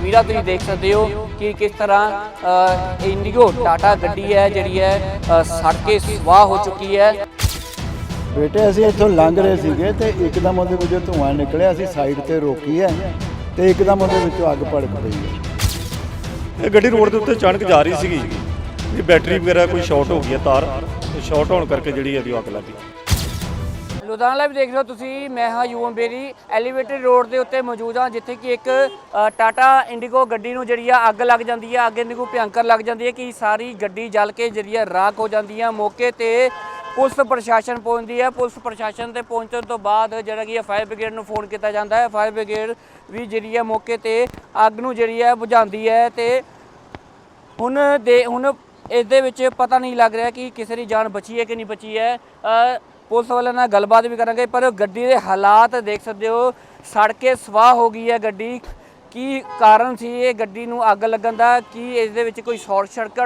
ਤਸਵੀਰਾਂ ਤੁਸੀਂ ਦੇਖ ਸਕਦੇ ਹੋ ਕਿ ਕਿਸ ਤਰ੍ਹਾਂ ਇੰਡੀਗੋ ਟਾਟਾ ਗੱਡੀ ਹੈ ਜਿਹੜੀ ਹੈ ਸੜ ਕੇ ਸਵਾਹ ਹੋ ਚੁੱਕੀ ਹੈ। ਬੇਟੇ ਅਸੀਂ ਇੱਥੋਂ ਲੰਘ ਰਹੇ ਸੀਗੇ ਤੇ ਇੱਕਦਮ ਉਹਦੇ ਵਿੱਚੋਂ ਧੂੰਆਂ ਨਿਕਲਿਆ। ਅਸੀਂ ਸਾਈਡ ਤੇ ਰੋਕੀ ਹੈ ਤੇ ਇੱਕਦਮ ਉਹਦੇ ਵਿੱਚੋਂ ਅੱਗ ਭੜਕ ਪਈ ਹੈ। ਇਹ ਗੱਡੀ ਰੋਡ ਦੇ ਉੱਤੇ ਅਚਾਨਕ ਜਾ ਰਹੀ ਸੀਗੀ, ਇਹ ਬੈਟਰੀ ਵਗੈਰਾ ਕੋਈ ਸ਼ਾਰਟ ਹੋ ਗਈ ਹੈ, ਤਾਰ ਸ਼ਾਰਟ ਹੋਣ ਕਰਕੇ ਜਿਹੜੀ ਇਹਦੀ ਅੱਗ ਲੱਗੀ। ਲੁਧਿਆਣਾ ਲਾਈਵ ਦੇਖ ਰਹੇ ਹੋ ਤੁਸੀਂ। ਮੈਂ ਹਾਂ ਯੂਐਮ ਬੇਰੀ ਐਲੀਵੇਟਡ ਰੋਡ ਦੇ ਉੱਤੇ ਮੌਜੂਦ ਹਾਂ, ਜਿੱਥੇ ਕਿ ਇੱਕ ਟਾਟਾ ਇੰਡੀਗੋ ਗੱਡੀ ਨੂੰ ਜਿਹੜੀ ਆ ਅੱਗ ਲੱਗ ਜਾਂਦੀ ਹੈ। ਅੱਗ ਇੰਨੀ ਕੁ ਭਿਅੰਕਰ ਲੱਗ ਜਾਂਦੀ ਹੈ ਕਿ ਸਾਰੀ ਗੱਡੀ ਜਲ ਕੇ ਜਿਹੜੀ ਆ ਰਾਖ ਹੋ ਜਾਂਦੀ ਹੈ। ਮੌਕੇ ਤੇ ਪੁਲਿਸ ਪ੍ਰਸ਼ਾਸਨ ਪਹੁੰਚਦੀ ਹੈ। ਪੁਲਿਸ ਪ੍ਰਸ਼ਾਸਨ ਤੇ ਪਹੁੰਚਣ ਤੋਂ ਬਾਅਦ ਜਿਹੜਾ ਕਿ ਫਾਇਰ ਬ੍ਰਿਗੇਡ ਨੂੰ ਫੋਨ ਕੀਤਾ ਜਾਂਦਾ ਹੈ। ਫਾਇਰ ਬ੍ਰਿਗੇਡ ਵੀ ਜਿਹੜੀ ਹੈ ਮੌਕੇ ਤੇ ਅੱਗ ਨੂੰ ਜਿਹੜੀ ਹੈ ਬੁਝਾਉਂਦੀ ਹੈ ਤੇ ਹੁਣ ਇਹਦੇ ਵਿੱਚ ਪਤਾ ਨਹੀਂ ਲੱਗ ਰਿਹਾ ਕਿ ਕਿਸੇ ਦੀ ਜਾਨ ਬਚੀ ਹੈ ਕਿ ਨਹੀਂ ਬਚੀ ਹੈ। ਪੁਲਿਸ ਵਾਲਿਆਂ ਨਾਲ ਗੱਲਬਾਤ ਵੀ ਕਰਾਂਗੇ, ਪਰ ਗੱਡੀ ਦੇ ਹਾਲਾਤ ਦੇਖ ਸਕਦੇ ਹੋ, ਸੜ ਕੇ ਸਵਾਹ ਹੋ ਗਈ ਹੈ ਗੱਡੀ। ਕੀ ਕਾਰਨ ਸੀ ਇਹ ਗੱਡੀ ਨੂੰ ਅੱਗ ਲੱਗਣ ਦਾ? ਕੀ ਇਸ ਦੇ ਵਿੱਚ ਕੋਈ ਸ਼ਾਰਟ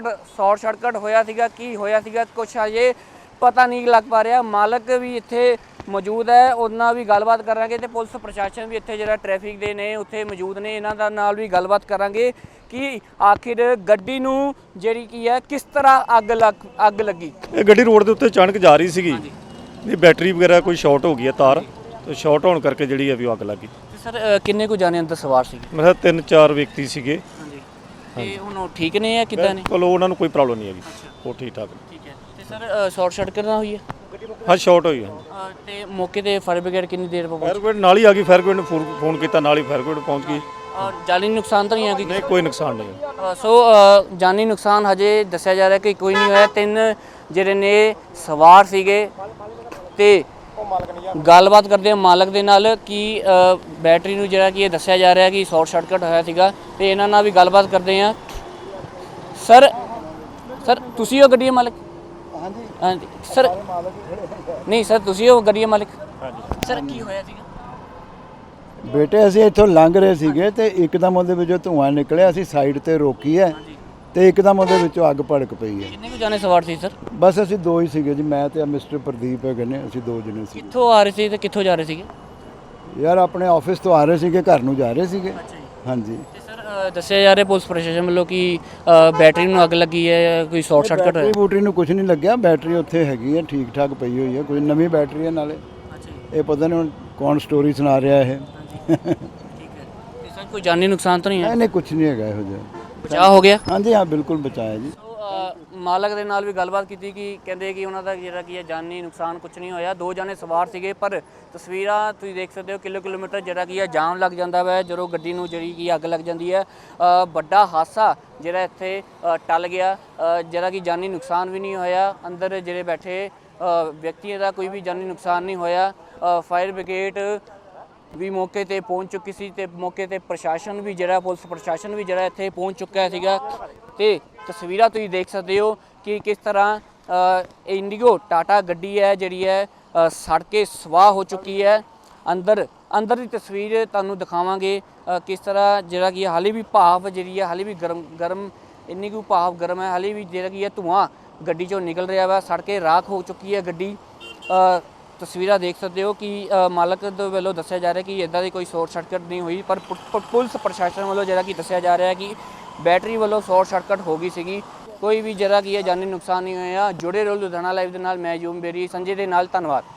ਸਰਕਟ ਹੋਇਆ ਸੀਗਾ? ਕੀ ਹੋਇਆ ਸੀਗਾ ਕੁਛ ਅਜੇ ਪਤਾ ਨਹੀਂ ਲੱਗ ਪਾ ਰਿਹਾ। ਮਾਲਕ ਵੀ ਇੱਥੇ ਮੌਜੂਦ ਹੈ, ਉਹਨਾਂ ਨਾਲ ਵੀ ਗੱਲਬਾਤ ਕਰਾਂਗੇ ਤੇ ਪੁਲਿਸ ਪ੍ਰਸ਼ਾਸਨ ਵੀ ਇੱਥੇ ਜਿਹੜਾ ਟ੍ਰੈਫਿਕ ਦੇ ਨੇ ਉੱਥੇ ਮੌਜੂਦ ਨੇ, ਇਹਨਾਂ ਦਾ ਨਾਲ ਵੀ ਗੱਲਬਾਤ ਕਰਾਂਗੇ ਕਿ ਆਖਿਰ ਗੱਡੀ ਨੂੰ ਜਿਹੜੀ ਕੀ ਹੈ ਕਿਸ ਤਰ੍ਹਾਂ ਅੱਗ ਲੱਗੀ। ਇਹ ਗੱਡੀ ਰੋਡ ਦੇ ਉੱਤੇ ਅਚਾਨਕ ਜਾ ਰਹੀ ਸੀਗੀ, ਇਹ ਬੈਟਰੀ ਵਗੈਰਾ ਕੋਈ ਸ਼ਾਰਟ ਹੋ ਗਈ ਹੈ, ਤਾਰ ਸ਼ਾਰਟ ਹੋਣ ਕਰਕੇ ਜਿਹੜੀ ਹੈ ਵੀ ਅੱਗ ਲੱਗੀ। ਸਰ ਕਿੰਨੇ ਕੁ ਜਾਣੇ ਅੰਦਰ ਸਵਾਰ ਸੀਗੇ? ਮੈਂ ਕਿਹਾ 3-4 ਵਿਅਕਤੀ ਸੀਗੇ। ਹਾਂਜੀ, ਤੇ ਹੁਣ ਉਹ ਠੀਕ ਨੇ ਜਾਂ ਕਿੱਦਾਂ ਨੇ? ਚਲੋ ਉਹਨਾਂ ਨੂੰ ਕੋਈ ਪ੍ਰੋਬਲਮ ਨਹੀਂ ਹੈਗੀ, ਉਹ ਠੀਕ ਠਾਕ ਨੇ। ਠੀਕ ਹੈ। ਤੇ ਸਰ ਸ਼ਾਰਟ ਸਰਕਟ ਨਾ ਹੋਈ ਹੈ? ਹਾਂ ਸ਼ਾਰਟ ਹੋਈ ਹੈ। ਤੇ ਮੌਕੇ ਤੇ ਫਾਇਰ ਬ੍ਰਿਗੇਡ ਕਿੰਨੀ ਦੇਰ ਬਾਅਦ? ਫਾਇਰ ਬ੍ਰਿਗੇਡ ਨਾਲ ਹੀ ਆ ਗਈ। ਫਾਇਰ ਬ੍ਰਿਗੇਡ ਨੂੰ ਫੋਨ ਕੀਤਾ, ਨਾਲ ਹੀ ਫਾਇਰ ਬ੍ਰਿਗੇਡ ਪਹੁੰਚ ਗਈ। ਜਾਨੀ ਨੁਕਸਾਨ ਤਾਂ ਨਹੀਂ ਹੈ? ਨਹੀਂ ਕੋਈ ਨੁਕਸਾਨ ਨਹੀਂ ਹੈ। ਸੋ ਜਾਨੀ ਨੁਕਸਾਨ ਹਜੇ ਦੱਸਿਆ ਜਾ ਰਿਹਾ ਕਿ ਕੋਈ ਨਹੀਂ ਹੋਇਆ। 3 ਜਿਹੜੇ ਨੇ ਸਵਾਰ ਸੀਗੇ ਤੇ ਗੱਲਬਾਤ ਕਰਦੇ ਹਾਂ ਮਾਲਕ ਦੇ ਨਾਲ ਕਿ ਬੈਟਰੀ ਨੂੰ ਜਿਹੜਾ ਕਿ ਇਹ ਦੱਸਿਆ ਜਾ ਰਿਹਾ ਕਿ ਸ਼ਾਰਟ ਸਰਕਟ ਹੋਇਆ ਸੀਗਾ ਤੇ ਇਹਨਾਂ ਨਾਲ ਵੀ ਗੱਲਬਾਤ ਕਰਦੇ ਹਾਂ। ਸਰ ਤੁਸੀਂ ਉਹ ਗੱਡੀ ਦੇ ਮਾਲਕ? ਹਾਂਜੀ ਸਰ। ਨਹੀਂ ਸਰ ਤੁਸੀਂ ਉਹ ਗੱਡੀ ਦੇ ਮਾਲਕ? ਹਾਂਜੀ ਸਰ। ਕੀ ਹੋਇਆ ਸੀਗਾ? ਬੇਟੇ ਅਸੀਂ ਇੱਥੋਂ ਲੰਘ ਰਹੇ ਸੀਗੇ ਤੇ ਇੱਕਦਮ ਉਹਦੇ ਵਿੱਚੋਂ ਧੂੰਆਂ ਨਿਕਲਿਆ। ਅਸੀਂ ਸਾਈਡ ਤੇ ਰੋਕੀ ਹੈ ਤੇ ਇੱਕਦਮ ਉਹਦੇ ਵਿੱਚੋਂ ਅੱਗ ਭੜਕ ਪਈ ਹੈ। ਕਿੰਨੇ ਕੁ ਜਾਣੇ ਸਵਾਰ ਸੀ ਸਰ? ਬਸ ਅਸੀਂ 2 ਹੀ ਸੀਗੇ ਜੀ, ਮੈਂ ਤੇ ਮਿਸਟਰ ਪ੍ਰਦੀਪ ਹੈਗੇ ਨੇ, ਅਸੀਂ 2 ਜਣੇ ਸੀ। ਕਿੱਥੋਂ ਆ ਰਹੇ ਸੀ ਤੇ ਕਿੱਥੋਂ ਜਾ ਰਹੇ ਸੀਗੇ? ਯਾਰ ਆਪਣੇ ਆਫਿਸ ਤੋਂ ਆ ਰਹੇ ਸੀਗੇ, ਘਰ ਨੂੰ ਜਾ ਰਹੇ ਸੀਗੇ। ਅੱਛਾ ਜੀ। ਹਾਂਜੀ। ਤੇ ਸਰ ਦੱਸਿਆ ਜਾ ਰਿਹਾ ਪੁਲਿਸ ਪ੍ਰਸ਼ਾਸਨ ਵੱਲੋਂ ਕਿ ਬੈਟਰੀ ਨੂੰ ਅੱਗ ਲੱਗੀ ਹੈ, ਕੋਈ ਸ਼ਾਰਟ ਸਰਕਟ ਹੋਇਆ? ਬੈਟਰੀ ਨੂੰ ਕੁਝ ਨਹੀਂ ਲੱਗਿਆ, ਬੈਟਰੀ ਉੱਥੇ ਹੈਗੀ ਹੈ, ਠੀਕ ਠਾਕ ਪਈ ਹੋਈ ਹੈ। ਕੋਈ ਨਵੀਂ ਬੈਟਰੀ ਹੈ ਨਾਲੇ। ਅੱਛਾ ਜੀ। ਇਹ ਪਤਾ ਨਹੀਂ ਹੁਣ ਕੌਣ ਸਟੋਰੀ ਸੁਣਾ ਰਿਹਾ ਇਹ। ਠੀਕ ਹੈ। ਤੇ ਸਰ ਕੋਈ ਜਾਨੀ ਨੁਕਸਾਨ ਤਾਂ ਨਹੀਂ ਹੈ? ਨਹੀਂ ਕੁਝ ਨਹੀਂ ਹੈਗਾ ਇਹੋ ਜਿਹਾ। ਬਚਾਅ ਹੋ ਗਿਆ? ਹਾਂਜੀ ਹਾਂ ਬਿਲਕੁਲ ਬਚਾਇਆ ਜੀ। ਮਾਲਕ ਦੇ ਨਾਲ ਵੀ ਗੱਲਬਾਤ ਕੀਤੀ ਕਿ ਕਹਿੰਦੇ ਕਿ ਉਹਨਾਂ ਦਾ ਜਿਹੜਾ ਕੀ ਹੈ ਜਾਨੀ ਨੁਕਸਾਨ ਕੁਝ ਨਹੀਂ ਹੋਇਆ। 2 ਜਾਣੇ ਸਵਾਰ ਸੀਗੇ, ਪਰ ਤਸਵੀਰਾਂ ਤੁਸੀਂ ਦੇਖ ਸਕਦੇ ਹੋ ਕਿਲੋਮੀਟਰ ਜਿਹੜਾ ਕੀ ਹੈ ਜਾਮ ਲੱਗ ਜਾਂਦਾ ਵਾ ਜਦੋਂ ਗੱਡੀ ਨੂੰ ਜਿਹੜੀ ਕੀ ਅੱਗ ਲੱਗ ਜਾਂਦੀ ਹੈ। ਵੱਡਾ ਹਾਦਸਾ ਜਿਹੜਾ ਇੱਥੇ ਟਲ ਗਿਆ, ਜਿਹੜਾ ਕਿ ਜਾਨੀ ਨੁਕਸਾਨ ਵੀ ਨਹੀਂ ਹੋਇਆ। ਅੰਦਰ ਜਿਹੜੇ ਬੈਠੇ ਵਿਅਕਤੀਆਂ ਦਾ ਕੋਈ ਵੀ ਜਾਨੀ ਨੁਕਸਾਨ ਨਹੀਂ ਹੋਇਆ। ਫਾਇਰ ਬ੍ਰਿਗੇਡ ਵੀ ਮੌਕੇ ਤੇ ਪਹੁੰਚ ਚੁੱਕੀ ਸੀ ਤੇ ਮੌਕੇ ਤੇ ਪ੍ਰਸ਼ਾਸਨ ਵੀ ਜਿਹੜਾ ਪੁਲਿਸ ਪ੍ਰਸ਼ਾਸਨ ਵੀ ਜਿਹੜਾ ਇੱਥੇ ਪਹੁੰਚ ਚੁੱਕਾ ਸੀਗਾ ਤੇ ਤਸਵੀਰਾਂ ਤੁਸੀਂ ਦੇਖ ਸਕਦੇ ਹੋ ਕਿ ਕਿਸ ਤਰ੍ਹਾਂ ਇੰਡੀਗੋ ਟਾਟਾ ਗੱਡੀ ਹੈ ਜਿਹੜੀ ਹੈ ਸੜ ਕੇ ਸਵਾਹ ਹੋ ਚੁੱਕੀ ਹੈ। ਅੰਦਰ ਦੀ ਤਸਵੀਰ ਤੁਹਾਨੂੰ ਦਿਖਾਵਾਂਗੇ ਕਿਸ ਤਰ੍ਹਾਂ ਜਿਹੜਾ ਕਿ ਹਾਲੇ ਵੀ ਭਾਫ ਜਿਹੜੀ ਹੈ ਹਾਲੇ ਵੀ ਗਰਮ ਇੰਨੀ ਕੁ ਭਾਫ ਗਰਮ ਹੈ, ਹਾਲੇ ਵੀ ਜਿਹੜਾ ਕੀ ਹੈ ਧੂੰਆਂ ਗੱਡੀ ਚੋਂ ਨਿਕਲ ਰਿਹਾ ਵਾ, ਸੜ ਕੇ ਰਾਖ ਹੋ ਚੁੱਕੀ ਹੈ ਗੱਡੀ। ਤਸਵੀਰਾਂ ਦੇਖ ਸਕਦੇ ਹੋ ਕਿ ਮਾਲਕ ਦੇ ਵੱਲੋਂ ਦੱਸਿਆ ਜਾ ਰਿਹਾ ਕਿ ਇੱਦਾਂ ਦੀ ਕੋਈ ਸ਼ਾਰਟ ਸਰਕਟ ਨਹੀਂ ਹੋਈ, ਪਰ ਪੁਲਿਸ ਪ੍ਰਸ਼ਾਸਨ ਵੱਲੋਂ ਜਿਹੜਾ ਕਿ ਦੱਸਿਆ ਜਾ ਰਿਹਾ ਕਿ ਬੈਟਰੀ ਵੱਲੋਂ ਸ਼ਾਰਟ ਸਰਕਟ ਹੋ ਗਈ ਸੀਗੀ। ਕੋਈ ਵੀ ਜਿਹੜਾ ਕੀ ਹੈ ਜਾਨੀ ਨੁਕਸਾਨ ਨਹੀਂ ਹੋਇਆ। ਜੁੜੇ ਰਹੋ ਲੁਧਿਆਣਾ ਲਾਈਵ ਦੇ ਨਾਲ। ਮੈਂ ਯੂਮ ਬੇਰੀ ਸੰਜੇ ਦੇ ਨਾਲ। ਧੰਨਵਾਦ।